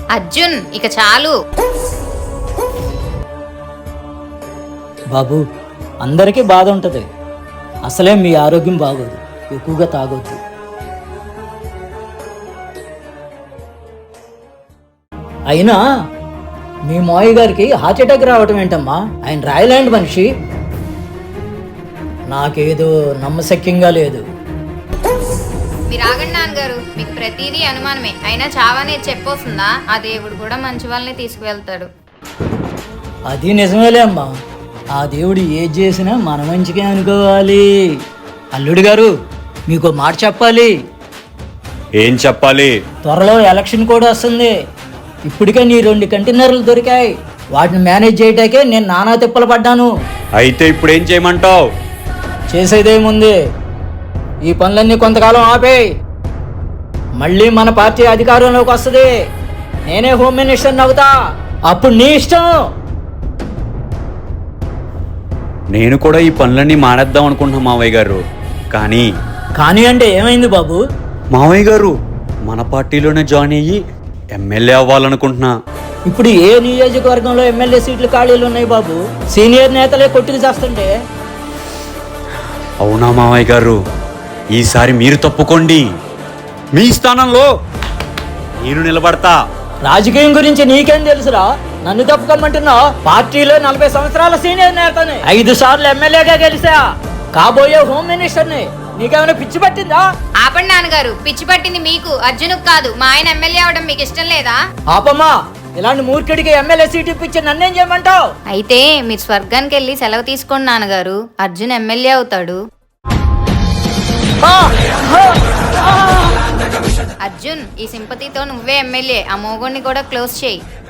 అర్జున్ ఇక చాలు. బాబు, అందరికీ బాధ ఉంటుంది. అసలే మీ ఆరోగ్యం బాగోదు, ఎక్కువగా తాగొద్దు. అయినా మీ మావయ్య గారికి హార్ట్ అటాక్ రావటం ఏంటమ్మా? ఆయన రాయలాండ్ మనిషి. నాకేదో నమ్మశక్యంగా లేదు. మీరు ఆగండి నాన్నగారు, మీకు ప్రతిదీ అనుమానమే. అయినా చావనే చెప్పొస్తుందా? ఆ దేవుడు కూడా మంచి వాళ్ళని తీసుకువెళ్తాడు. అది నిజమేలే అమ్మా. ఆ దేవుడు ఏది చేసినా మన మంచిగా అనుకోవాలి. అల్లుడు గారు, మీకు మాట చెప్పాలి. ఏం చెప్పాలి? త్వరలో ఎలక్షన్ కూడా వస్తుంది. ఇప్పటికే నీ 2 కంటైనర్లు దొరికాయి. వాటిని మేనేజ్ చేయటాకే నేను నానా తిప్పలు పడ్డాను. అయితే ఇప్పుడు ఏం చేయమంటావు? చేసేదేముంది, ఈ పనులన్నీ కొంతకాలం ఆపేయి. మళ్ళీ మన పార్టీ అధికారంలోకి వస్తుంది. నేనే హోమ్ మినిస్టర్ని అవుతా. అప్పుడు నీ ఇష్టం. నేను కూడా ఈ పనులన్నీ మానేద్దాం అనుకుంటున్నా మావయ్య గారు. కానీ అంటే ఏమైంది బాబు? మావయ్య గారు, మన పార్టీలోనే జాయిన్ అయ్యి ఎమ్మెల్యే అవ్వాలనుకుంటున్నా. ఇప్పుడు ఏ నియోజకవర్గంలో ఎమ్మెల్యే సీట్లు ఖాళీలు ఉన్నాయి బాబు? సీనియర్ నేతలే కొట్టుకు చేస్తుంటే. అవునా మావయ్య గారు, ఈసారి మీరు తప్పుకోండి. మీ స్థానంలో నేను నిలబడతా. రాజకీయం గురించి నీకేం తెలుసురా? నన్ను తప్పుకోమంటున్నావు? పార్టీలో 40 సంవత్సరాల సీనియర్ నేతని, 5 సార్లు ఎమ్మెల్యేగా గెలిచా. కాబోయే హోమ్ మినిస్టర్ని. నీకేమైనా పిచ్చి పట్టిందా? ఆపండి నాన్నగారు, పిచ్చి పట్టింది మీకు, అర్జునుకు కాదు. మా ఆయన ఎమ్మెల్యే అవడం మీకు ఇష్టం లేదా? ఆపమ్మా, ఇలాంటి మూర్ఖుడికి ఎమ్మెల్యే సీట్ ఇప్పించి నన్నేం చేయమంటావు? అయితే మీరు స్వర్గానికి వెళ్ళి సెలవు తీసుకోండి నాన్నగారు. అర్జున్ ఎమ్మెల్యే అవుతాడు. అర్జున్, ఈ సింపతితో నువ్వే ఎమ్మెల్యే. ఆ మోగోడిని కూడా క్లోజ్ చేయి.